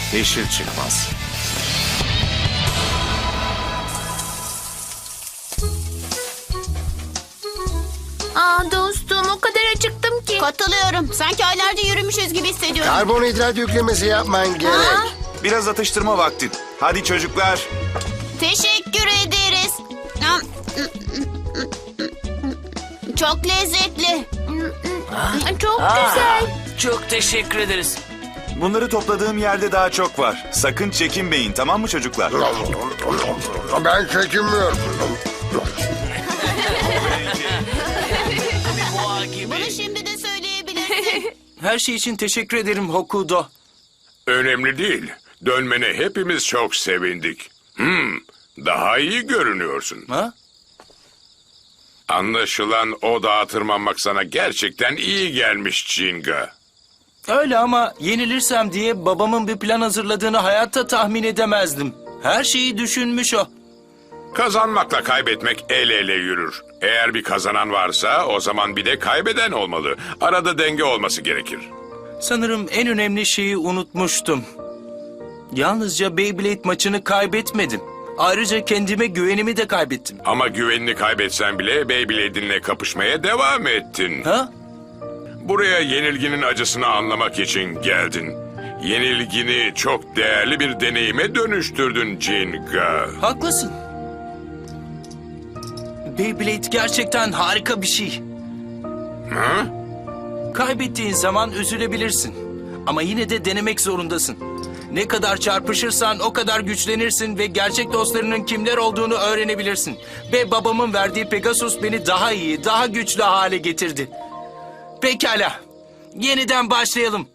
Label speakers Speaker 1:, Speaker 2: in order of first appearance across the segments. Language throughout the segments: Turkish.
Speaker 1: yeşil çıkmaz.
Speaker 2: Dostum o kadar acıktım ki.
Speaker 3: Katılıyorum. Sanki aylarca yürümüşüz gibi hissediyorum.
Speaker 4: Karbonhidrat yüklemesi yapman gerek.
Speaker 1: Biraz atıştırma vakti. Hadi çocuklar.
Speaker 3: Teşekkür ederiz. Çok lezzetli.
Speaker 2: Çok güzel.
Speaker 5: Çok teşekkür ederiz.
Speaker 1: Bunları topladığım yerde daha çok var. Sakın çekinmeyin, tamam mı çocuklar?
Speaker 4: Ben çekinmiyorum.
Speaker 5: Boğa gibi.
Speaker 3: Bunu şimdi de söyleyebilirsin.
Speaker 5: Her şey için teşekkür ederim Hokudo.
Speaker 6: Önemli değil. Dönmene hepimiz çok sevindik. Daha iyi görünüyorsun.
Speaker 5: Ha?
Speaker 6: Anlaşılan o dağa tırmanmak sana gerçekten iyi gelmiş Jinga.
Speaker 5: Öyle ama yenilirsem diye babamın bir plan hazırladığını hayatta tahmin edemezdim. Her şeyi düşünmüş o.
Speaker 6: Kazanmakla kaybetmek el ele yürür. Eğer bir kazanan varsa o zaman bir de kaybeden olmalı. Arada denge olması gerekir.
Speaker 5: Sanırım en önemli şeyi unutmuştum. Yalnızca Beyblade maçını kaybetmedim. Ayrıca kendime güvenimi de kaybettim.
Speaker 6: Ama güvenini kaybetsen bile Beyblade'inle kapışmaya devam ettin.
Speaker 5: Ha?
Speaker 6: Buraya yenilginin acısını anlamak için geldin. Yenilgini çok değerli bir deneyime dönüştürdün Jinga.
Speaker 5: Haklısın. Beyblade gerçekten harika bir şey.
Speaker 6: Hı?
Speaker 5: Kaybettiğin zaman üzülebilirsin. Ama yine de denemek zorundasın. Ne kadar çarpışırsan o kadar güçlenirsin ve gerçek dostlarının kimler olduğunu öğrenebilirsin. Ve babamın verdiği Pegasus beni daha iyi, daha güçlü hale getirdi. Pekala. Yeniden başlayalım.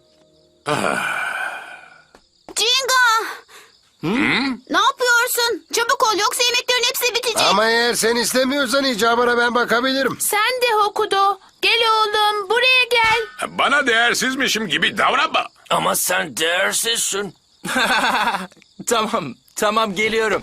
Speaker 3: Jinga! Ne yapıyorsun? Çabuk ol yoksa yemeklerin hepsi bitecek.
Speaker 4: Ama eğer sen istemiyorsan icabına ben bakabilirim.
Speaker 2: Sen de Hokudo. Gel oğlum buraya gel.
Speaker 6: Bana değersizmişim gibi davranma.
Speaker 5: Ama sen değersizsin. Tamam geliyorum.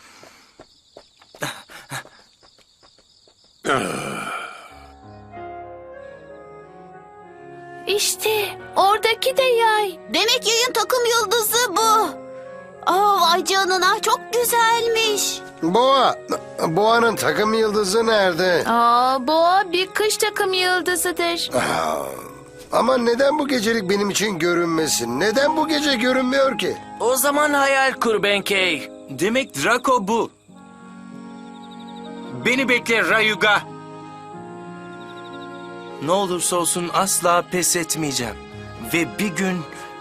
Speaker 2: İşte oradaki de yay.
Speaker 3: Demek yayın takım yıldızı bu. Vay canına çok güzelmiş.
Speaker 4: Boğa'nın takım yıldızı nerede?
Speaker 2: Boğa bir kış takım yıldızıdır.
Speaker 4: Ama neden bu gecelik benim için görünmesin? Neden bu gece görünmüyor ki?
Speaker 5: O zaman hayal kur Benkei. Demek Draco bu. Beni bekle Rayuga. Ne olursa olsun asla pes etmeyeceğim. Ve bir gün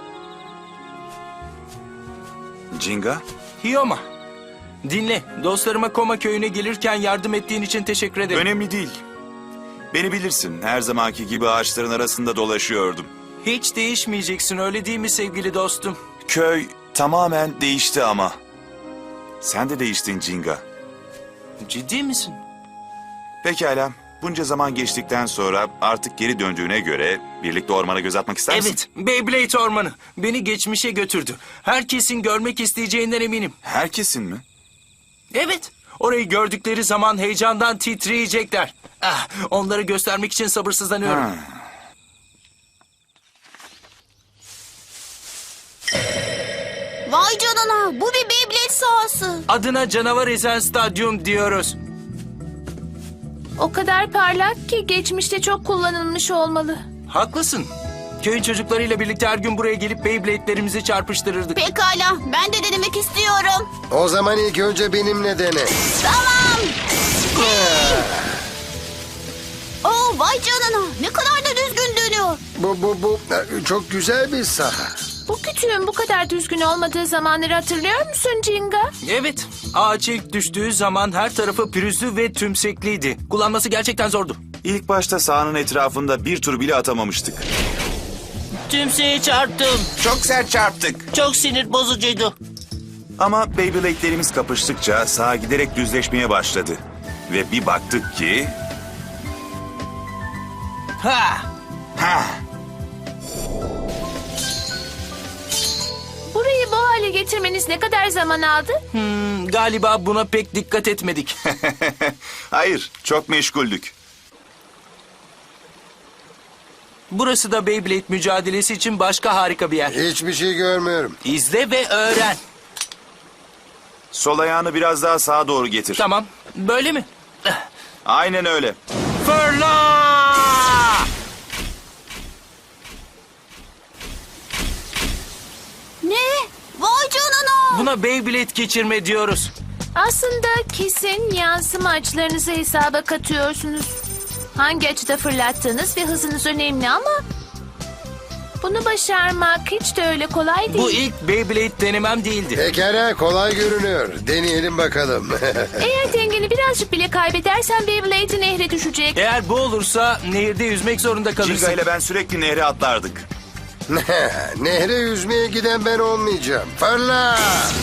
Speaker 1: Jinga,
Speaker 5: Hiyoma. Dinle, dostlarıma Koma köyüne gelirken yardım ettiğin için teşekkür ederim.
Speaker 1: önemli değil. Beni bilirsin, her zamanki gibi ağaçların arasında dolaşıyordum.
Speaker 5: Hiç değişmeyeceksin öyle değil mi sevgili dostum?
Speaker 1: Köy tamamen değişti ama. Sen de değiştin Jinga.
Speaker 5: Ciddi misin?
Speaker 1: Pekala, bunca zaman geçtikten sonra artık geri döndüğüne göre birlikte ormana göz atmak ister misin?
Speaker 5: Evet, Beyblade Ormanı. Beni geçmişe götürdü. Herkesin görmek isteyeceğinden eminim.
Speaker 1: Herkesin mi?
Speaker 5: Evet, orayı gördükleri zaman heyecandan titreyecekler. Onları göstermek için sabırsızlanıyorum.
Speaker 1: Ha.
Speaker 3: Vay canına bu bir Beyblade sahası.
Speaker 5: Adına Canavar Ezen Stadyum diyoruz.
Speaker 2: O kadar parlak ki geçmişte çok kullanılmış olmalı.
Speaker 5: Haklısın. Köyün çocuklarıyla birlikte her gün buraya gelip Beyblade'lerimizi çarpıştırırdık.
Speaker 3: Pekala ben de denemek istiyorum.
Speaker 4: O zaman ilk önce benimle dene.
Speaker 3: Tamam. Vay canına ne kadar da düzgün dönüyor.
Speaker 4: Bu çok güzel bir saha.
Speaker 2: Bu kütüğün bu kadar düzgün olmadığı zamanları hatırlıyor musun Jinga?
Speaker 5: Evet, ağaç ilk düştüğü zaman her tarafı pürüzlü ve tümsekliydi. Kullanması gerçekten zordu.
Speaker 1: İlk başta sahanın etrafında bir tur bile atamamıştık.
Speaker 7: Tümseye çarptım.
Speaker 1: Çok sert çarptık.
Speaker 7: Çok sinir bozucuydu.
Speaker 1: Ama Beyblade'lerimiz kapıştıkça saha giderek düzleşmeye başladı. Ve bir baktık ki...
Speaker 5: Ha!
Speaker 1: Ha!
Speaker 2: Burayı bu hale getirmeniz ne kadar zaman aldı?
Speaker 5: Galiba buna pek dikkat etmedik.
Speaker 1: Hayır, çok meşguldük.
Speaker 5: Burası da Beyblade mücadelesi için başka harika bir yer.
Speaker 4: Hiçbir şey görmüyorum.
Speaker 5: İzle ve öğren.
Speaker 1: Sol ayağını biraz daha sağa doğru getir.
Speaker 5: Tamam, böyle mi?
Speaker 1: Aynen öyle.
Speaker 5: Fırla!
Speaker 3: Ne? Vay canına.
Speaker 5: Buna Beyblade geçirme diyoruz.
Speaker 2: Aslında kesin yansıma açılarınızı hesaba katıyorsunuz. Hangi açıda fırlattığınız ve hızınız önemli ama... Bunu başarmak hiç de öyle kolay değil.
Speaker 5: Bu ilk Beyblade denemem değildi.
Speaker 4: Pekala, kolay görünüyor. Deneyelim bakalım.
Speaker 2: Eğer dengeni birazcık bile kaybedersen Beyblade'i nehre düşecek.
Speaker 5: Eğer bu olursa nehirde yüzmek zorunda kalırsın.
Speaker 1: Cinga ile ben sürekli nehre atlardık.
Speaker 4: Nehre yüzmeye giden ben olmayacağım. Fırla!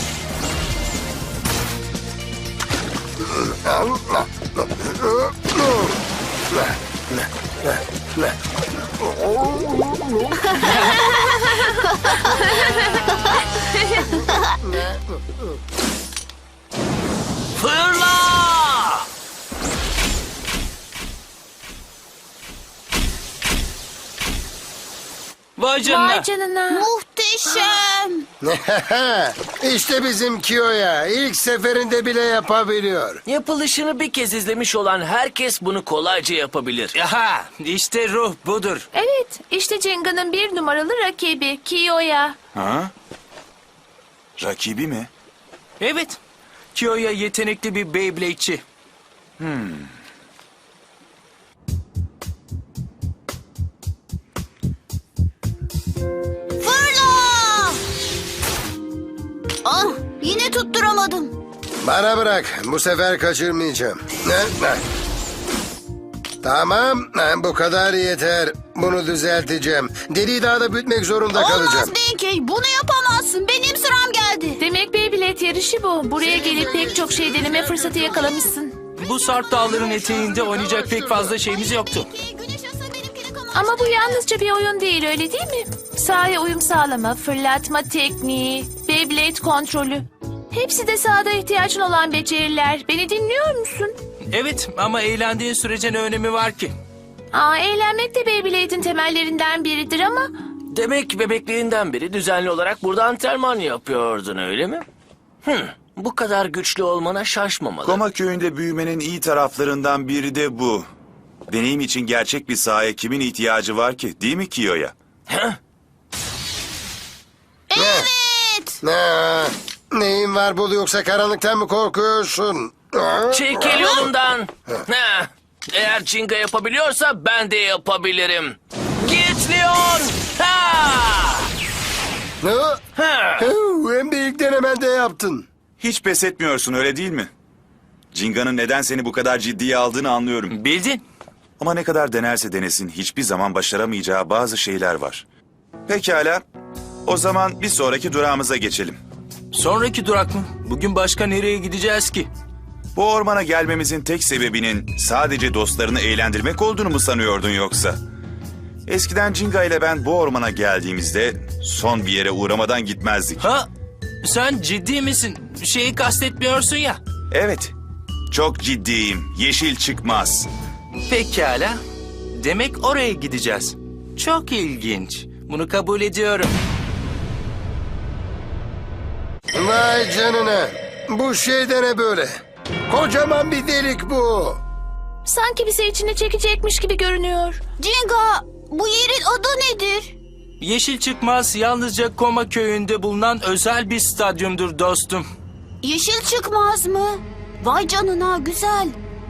Speaker 5: Fırla! Vay canına.
Speaker 2: Vay canına.
Speaker 3: Muhteşem.
Speaker 4: İşte bizim Kiyo'ya. İlk seferinde bile yapabiliyor.
Speaker 8: Yapılışını bir kez izlemiş olan herkes bunu kolayca yapabilir.
Speaker 5: Aha, işte ruh budur.
Speaker 2: Evet, işte Cinga'nın bir numaralı rakibi Kiyo'ya.
Speaker 1: Ha? Rakibi mi?
Speaker 5: Evet, Kiyo'ya yetenekli bir Beyblade'çi.
Speaker 3: Fırla. Ah, yine tutturamadım.
Speaker 4: Bana bırak. Bu sefer kaçırmayacağım. Tamam. Bu kadar yeter. Bunu düzelteceğim. Deliği daha da büyütmek zorunda kalacağım.
Speaker 3: Olmaz Benkey, bunu yapamazsın. Benim sıram geldi.
Speaker 2: Demek Beyblade yarışı bu. Buraya gelip pek çok şey deneme fırsatı yakalamışsın.
Speaker 5: Bu Sarp Dağları'nın eteğinde oynayacak pek fazla şeyimiz yoktu.
Speaker 3: Güneş asa benimkini kanal.
Speaker 2: Ama bu yalnızca bir oyun değil, öyle değil mi? Sahaya uyum sağlama, fırlatma tekniği, Beyblade kontrolü. Hepsi de sahada ihtiyacın olan beceriler. Beni dinliyor musun?
Speaker 5: Evet ama eğlendiğin sürece ne önemi var ki?
Speaker 2: Eğlenmek de Beyblade'in temellerinden biridir ama...
Speaker 8: Demek bebekliğinden beri düzenli olarak burada antrenman yapıyordun, öyle mi? Bu kadar güçlü olmana şaşmamalı.
Speaker 1: Koma köyünde büyümenin iyi taraflarından biri de bu. Deneyim için gerçek bir sahaya kimin ihtiyacı var ki? Değil mi Kiyo'ya?
Speaker 8: Heh,
Speaker 3: Evet.
Speaker 4: Neyin var Bulu, yoksa karanlıktan mı korkuyorsun?
Speaker 8: Çekil yolumdan. Heh, eğer Cinga yapabiliyorsa ben de yapabilirim. Git Leon! Ha! Ha!
Speaker 4: Hem de ilk denemende yaptın.
Speaker 1: Hiç pes etmiyorsun, öyle değil mi? Cinga'nın neden seni bu kadar ciddiye aldığını anlıyorum.
Speaker 5: Bildin.
Speaker 1: Ama ne kadar denerse denesin hiçbir zaman başaramayacağı bazı şeyler var. Pekala. O zaman bir sonraki durağımıza geçelim.
Speaker 5: Sonraki durak mı? Bugün başka nereye gideceğiz ki?
Speaker 1: Bu ormana gelmemizin tek sebebinin sadece dostlarını eğlendirmek olduğunu mu sanıyordun yoksa? Eskiden Cinga ile ben bu ormana geldiğimizde son bir yere uğramadan gitmezdik.
Speaker 5: Ha? Sen ciddi misin? Şeyi kastetmiyorsun ya.
Speaker 1: Evet, çok ciddiyim. Yeşil çıkmaz.
Speaker 5: Pekala. Demek oraya gideceğiz. Çok ilginç. Bunu kabul ediyorum.
Speaker 4: Vay canına. Bu şey de ne böyle? Kocaman bir delik bu.
Speaker 2: Sanki bizi içine çekecekmiş gibi görünüyor.
Speaker 3: Cinga, bu yerin adı nedir?
Speaker 5: Yeşil Çıkmaz yalnızca Koma köyünde bulunan özel bir stadyumdur dostum.
Speaker 3: Yeşil çıkmaz mı? Vay canına, güzel.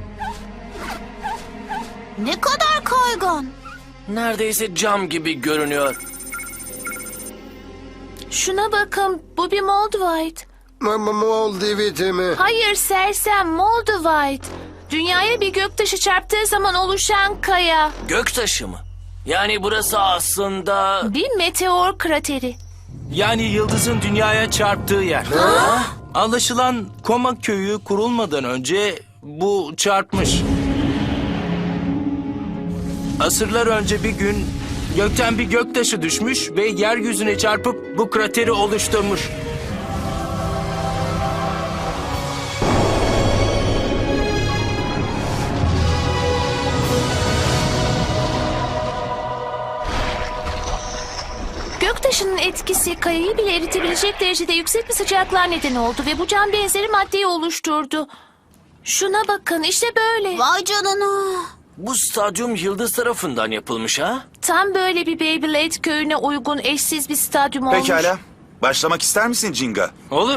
Speaker 3: Ne kadar kaygan.
Speaker 8: Neredeyse cam gibi görünüyor.
Speaker 2: Şuna bakın, bu bir Moldavite.
Speaker 4: Moldiviti mi?
Speaker 2: Hayır sersem, Moldavite. Dünyaya bir göktaşı çarptığı zaman oluşan kaya.
Speaker 8: Göktaşı mı? Yani burası aslında...
Speaker 2: Bir meteor krateri.
Speaker 5: Yani yıldızın dünyaya çarptığı yer. Anlaşılan Koma köyü kurulmadan önce bu çarpmış. Asırlar önce bir gün gökten bir göktaşı düşmüş ve yeryüzüne çarpıp bu krateri oluşturmuş.
Speaker 2: etkisi kayayı bile eritebilecek derecede yüksek bir sıcaklığa neden oldu ve bu can benzeri maddeyi oluşturdu. Şuna bakın, işte böyle.
Speaker 3: Vay canına.
Speaker 8: Bu stadyum Yıldız tarafından yapılmış ha?
Speaker 2: Tam böyle bir Beyblade köyüne uygun eşsiz bir stadyum olmuş.
Speaker 1: Pekala. Başlamak ister misin Jinga?
Speaker 5: Olur.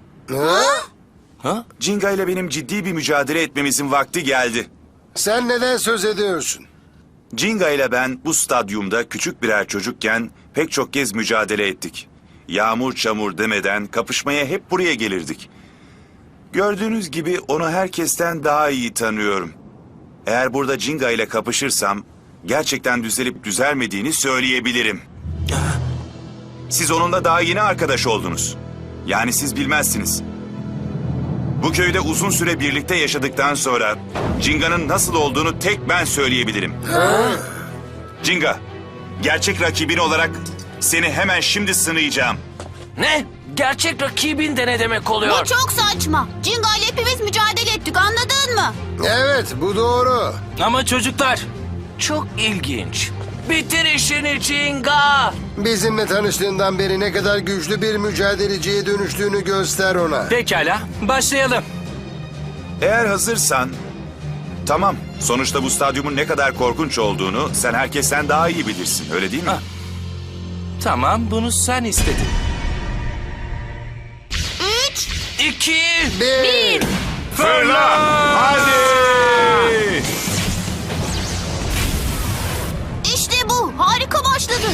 Speaker 4: Ha?
Speaker 1: Jinga ile benim ciddi bir mücadele etmemizin vakti geldi.
Speaker 4: Sen neden söz ediyorsun?
Speaker 1: Jinga ile ben bu stadyumda küçük birer çocukken pek çok kez mücadele ettik. Yağmur çamur demeden kapışmaya hep buraya gelirdik. Gördüğünüz gibi onu herkesten daha iyi tanıyorum. Eğer burada Jinga ile kapışırsam gerçekten düzelip düzelmediğini söyleyebilirim. Siz onunla daha yeni arkadaş oldunuz. Yani siz bilmezsiniz. Bu köyde uzun süre birlikte yaşadıktan sonra Jinga'nın nasıl olduğunu tek ben söyleyebilirim. Jinga, gerçek rakibin olarak seni hemen şimdi sınayacağım.
Speaker 8: Ne? Gerçek rakibin de ne demek oluyor?
Speaker 3: Bu çok saçma. Jinga ile hepimiz mücadele ettik, anladın mı?
Speaker 4: Evet, bu doğru.
Speaker 5: Ama çocuklar,
Speaker 8: Çok ilginç. Bitir işini Jinga.
Speaker 4: Bizimle tanıştığından beri ne kadar güçlü bir mücadeleciye dönüştüğünü göster ona.
Speaker 5: pekala başlayalım.
Speaker 1: Eğer hazırsan... Tamam, sonuçta bu stadyumun ne kadar korkunç olduğunu sen herkesten daha iyi bilirsin, öyle değil mi?
Speaker 5: Ah. Tamam, bunu sen istedin.
Speaker 3: 3,
Speaker 8: 2.
Speaker 4: Bir.
Speaker 1: Fırla! Hadi!
Speaker 3: işte bu. Harika başladı.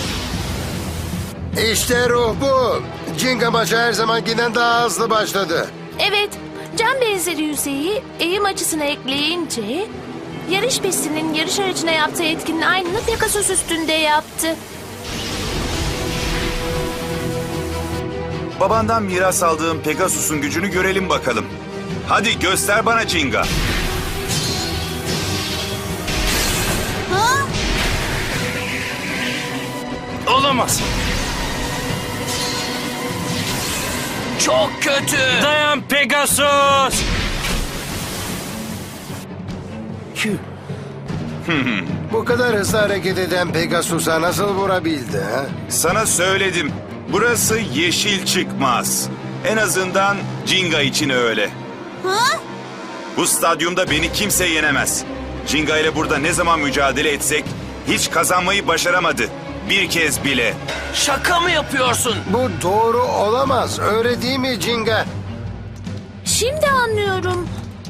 Speaker 4: İşte ruh bu. Jinga maçı her zamankinden daha hızlı başladı.
Speaker 2: Evet, can benzeri yüzeyi eğim açısına ekleyince... yarış pistinin yarış aracına yaptığı etkinin aynını Pegasus üstünde yaptı.
Speaker 1: Babandan miras aldığım Pegasus'un gücünü görelim bakalım. Hadi göster bana Jinga.
Speaker 3: Ha?
Speaker 5: Olamaz.
Speaker 8: Çok kötü.
Speaker 5: Dayan Pegasus.
Speaker 4: Bu kadar hızlı hareket eden Pegasus'a nasıl vurabildi ha?
Speaker 1: Sana söyledim. Burası yeşil çıkmaz. En azından Jinga için öyle.
Speaker 3: Ha?
Speaker 1: Bu stadyumda beni kimse yenemez. Jinga ile burada ne zaman mücadele etsek hiç kazanmayı başaramadı. Bir kez bile.
Speaker 8: Şaka mı yapıyorsun?
Speaker 4: Bu doğru olamaz. Öyle değil mi Jinga?
Speaker 2: Şimdi anlıyorum.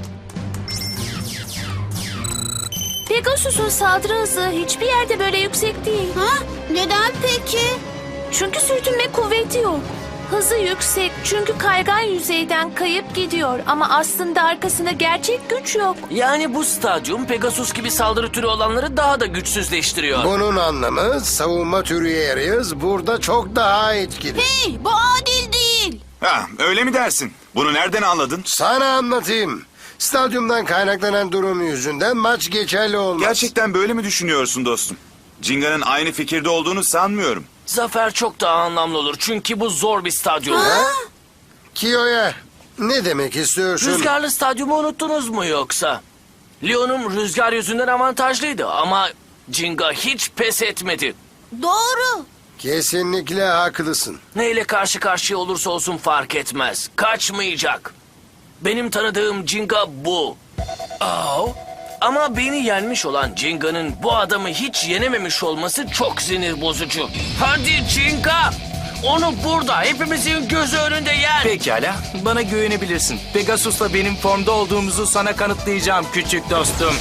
Speaker 2: Pegasus'un saldırı hızı hiçbir yerde böyle yüksek değil.
Speaker 3: Ha? Neden peki?
Speaker 2: Çünkü sürtünme kuvveti yok. Hızı yüksek çünkü kaygan yüzeyden kayıp gidiyor ama aslında arkasında gerçek güç yok.
Speaker 8: Yani bu stadyum Pegasus gibi saldırı türü olanları daha da güçsüzleştiriyor.
Speaker 4: Bunun anlamı savunma türü yarıyız. Burada çok daha etkili.
Speaker 3: Hey, bu adil değil.
Speaker 1: Ha, öyle mi dersin? Bunu nereden anladın?
Speaker 4: Sana anlatayım. Stadyumdan kaynaklanan durum yüzünden maç geçerli olmaz.
Speaker 1: Gerçekten böyle mi düşünüyorsun dostum? Jinga'nın aynı fikirde olduğunu sanmıyorum.
Speaker 8: Zafer çok daha anlamlı olur çünkü bu zor bir stadyum.
Speaker 4: Kiyo'ya ne demek istiyorsun?
Speaker 8: Rüzgarlı stadyumu unuttunuz mu yoksa? Leon'um rüzgar yüzünden avantajlıydı ama Jinga hiç pes etmedi.
Speaker 3: Doğru.
Speaker 4: Kesinlikle haklısın.
Speaker 8: Neyle karşı karşıya olursa olsun fark etmez. Kaçmayacak. Benim tanıdığım Jinga bu. Ama beni yenmiş olan Jinga'nın bu adamı hiç yenememiş olması çok sinir bozucu. Hadi Jinga! Onu burada hepimizin gözü önünde yen.
Speaker 5: Pekala, bana güvenebilirsin. Pegasus'la benim formda olduğumuzu sana kanıtlayacağım küçük dostum.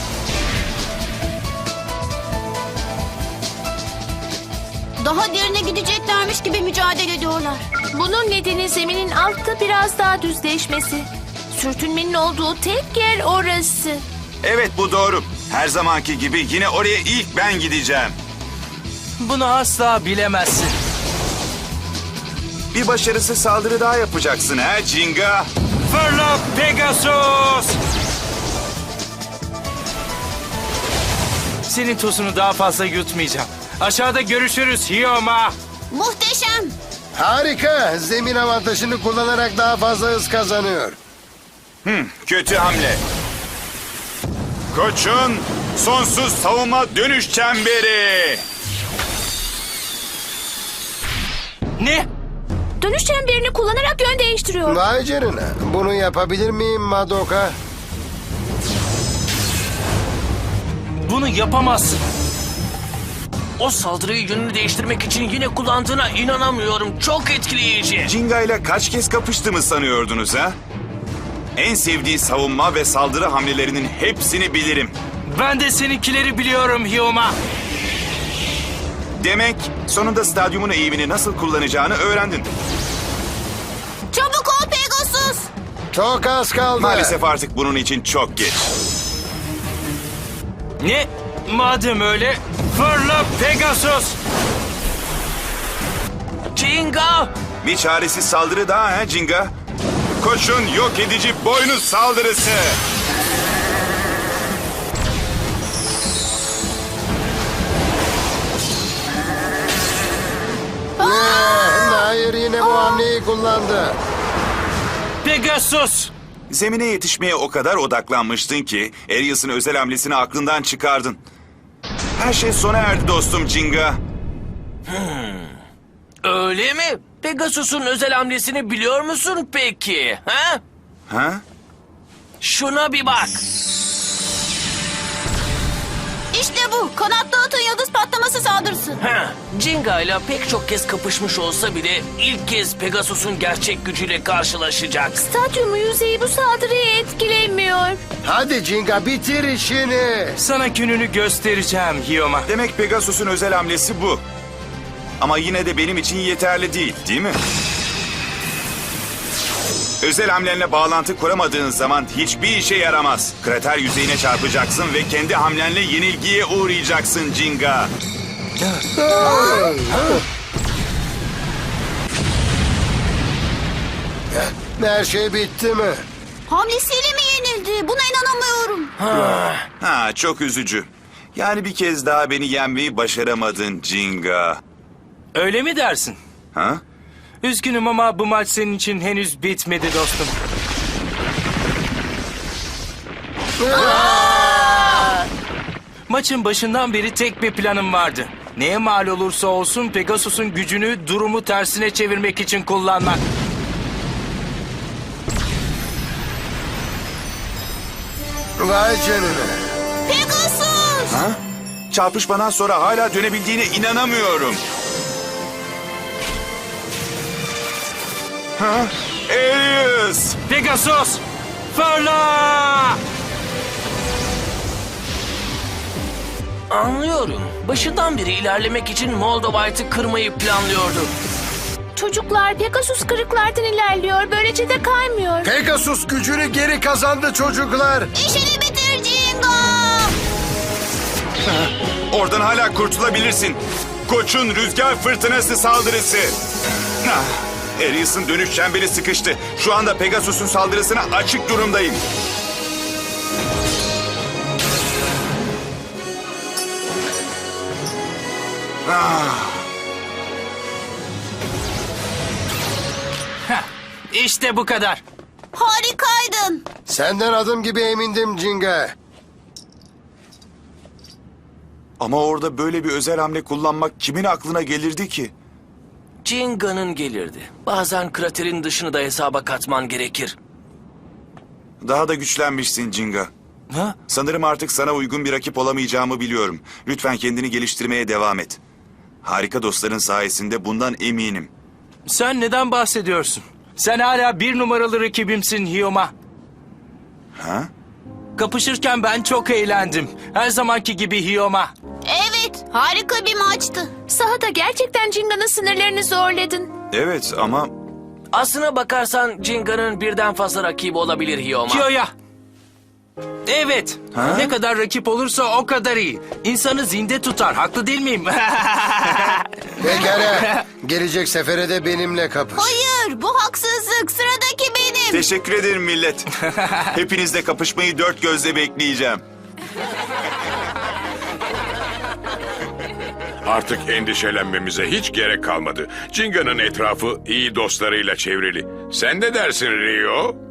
Speaker 3: Daha derine gideceklermiş gibi mücadele ediyorlar.
Speaker 2: Bunun nedeni zeminin altta biraz daha düzleşmesi. Sürtünmenin olduğu tek yer orası.
Speaker 1: Evet, bu doğru. Her zamanki gibi yine oraya ilk ben gideceğim.
Speaker 5: Bunu asla bilemezsin.
Speaker 1: Bir başarısız saldırı daha yapacaksın ha Jinga?
Speaker 5: Fırla Pegasus! Senin tosunu daha fazla yutmayacağım. Aşağıda görüşürüz Hiyoma.
Speaker 3: Muhteşem.
Speaker 4: Harika. Zemin avantajını kullanarak daha fazla hız kazanıyor.
Speaker 1: Kötü hamle. Koç'un sonsuz savunma dönüş çemberi.
Speaker 5: Ne?
Speaker 2: Dönüş çemberini kullanarak yön değiştiriyor.
Speaker 4: Vay canına. Bunu yapabilir miyim Madoka?
Speaker 5: Bunu yapamazsın.
Speaker 8: O saldırıyı yönünü değiştirmek için yine kullandığına inanamıyorum. Çok etkileyici.
Speaker 1: Jinga ile kaç kez kapıştığımı sanıyordunuz ha? En sevdiği savunma ve saldırı hamlelerinin hepsini bilirim.
Speaker 5: Ben de seninkileri biliyorum Hyoma.
Speaker 1: Demek sonunda stadyumun eğimini nasıl kullanacağını öğrendin.
Speaker 3: Çabuk ol Pegasus.
Speaker 4: Çok az kaldı.
Speaker 1: Maalesef artık bunun için çok geç.
Speaker 5: Ne? Madem öyle, fırla Pegasus.
Speaker 8: Jinga!
Speaker 1: Bir çaresiz saldırı daha ha Jinga? Koşun yok edici boynuz saldırısı.
Speaker 4: Hayır, yine bu hamleyi kullandı.
Speaker 5: Pegasus.
Speaker 1: Zemine yetişmeye o kadar odaklanmıştın ki Arius'un özel hamlesini aklından çıkardın. Her şey sona erdi dostum Jinga.
Speaker 8: Öyle mi? Pegasus'un özel hamlesini biliyor musun peki? Ha?
Speaker 1: Ha?
Speaker 8: Şuna bir bak.
Speaker 3: İşte bu. Kanatlı atın yıldız patlaması saldırısı.
Speaker 8: Jinga ile pek çok kez kapışmış olsa bile ilk kez Pegasus'un gerçek gücüyle karşılaşacak.
Speaker 2: Stadyumun yüzeyi bu saldırıyı etkilemiyor.
Speaker 4: Hadi Jinga, bitir işini.
Speaker 5: Sana gününü göstereceğim Hyoma.
Speaker 1: Demek Pegasus'un özel hamlesi bu. Ama yine de benim için yeterli değil mi? Özel hamlenle bağlantı kuramadığın zaman hiçbir işe yaramaz. Krater yüzeyine çarpacaksın ve kendi hamlenle yenilgiye uğrayacaksın Jinga.
Speaker 4: Her şey bitti mi?
Speaker 3: Hamlesiyle mi yenildi? Buna inanamıyorum.
Speaker 1: Ha, çok üzücü. Yani bir kez daha beni yenmeyi başaramadın Jinga.
Speaker 5: Öyle mi dersin?
Speaker 1: Ha?
Speaker 5: Üzgünüm ama bu maç senin için henüz bitmedi dostum. Maçın başından beri tek bir planım vardı. Neye mal olursa olsun Pegasus'un gücünü durumu tersine çevirmek için kullanmak.
Speaker 4: Vay canına.
Speaker 3: Pegasus.
Speaker 1: Ha? Çarpışmadan sonra hala dönebildiğine inanamıyorum. Ha? Arius!
Speaker 5: Pegasus! Fırla!
Speaker 8: Anlıyorum. Başından beri ilerlemek için Moldovite'ı kırmayı planlıyordu.
Speaker 2: Çocuklar Pegasus kırıklardan ilerliyor. Böylece de kaymıyor.
Speaker 4: Pegasus gücünü geri kazandı çocuklar.
Speaker 3: İşini bitir Jinga.
Speaker 1: Oradan hala kurtulabilirsin. Koç'un rüzgar fırtınası saldırısı. Ah, Arius'un dönüş çemberi sıkıştı. Şu anda Pegasus'un saldırısına açık durumdayım.
Speaker 5: İşte bu kadar.
Speaker 3: Harikaydın.
Speaker 4: Senden adım gibi emindim Jinga.
Speaker 1: Ama orada böyle bir özel hamle kullanmak kimin aklına gelirdi ki?
Speaker 8: Jinga'nın gelirdi. Bazen kraterin dışını da hesaba katman gerekir.
Speaker 1: Daha da güçlenmişsin Jinga.
Speaker 5: Ha?
Speaker 1: Sanırım artık sana uygun bir rakip olamayacağımı biliyorum. Lütfen kendini geliştirmeye devam et. Harika dostların sayesinde bundan eminim.
Speaker 5: Sen neden bahsediyorsun? Sen hala 1 numaralı rakibimsin Hyoma.
Speaker 1: Ha?
Speaker 5: Kapışırken ben çok eğlendim. Her zamanki gibi Hyoma.
Speaker 3: Evet, harika bir maçtı.
Speaker 2: Sahada gerçekten Jinga'nın sınırlarını zorladın.
Speaker 1: Evet ama
Speaker 8: Aslına bakarsan Jinga'nın birden fazla rakibi olabilir Hyoma.
Speaker 5: Kyo'ya. Evet.
Speaker 1: Ha?
Speaker 5: Ne kadar rakip olursa o kadar iyi. İnsanı zinde tutar. Haklı değil miyim?
Speaker 4: Pekala. Gelecek sefere de benimle kapış.
Speaker 3: Hayır, bu haksızlık. Sıradaki benim.
Speaker 1: teşekkür ederim millet. Hepinizle kapışmayı dört gözle bekleyeceğim.
Speaker 6: Artık endişelenmemize hiç gerek kalmadı. Jinga'nın etrafı iyi dostlarıyla çevrili. Sen ne dersin Rio?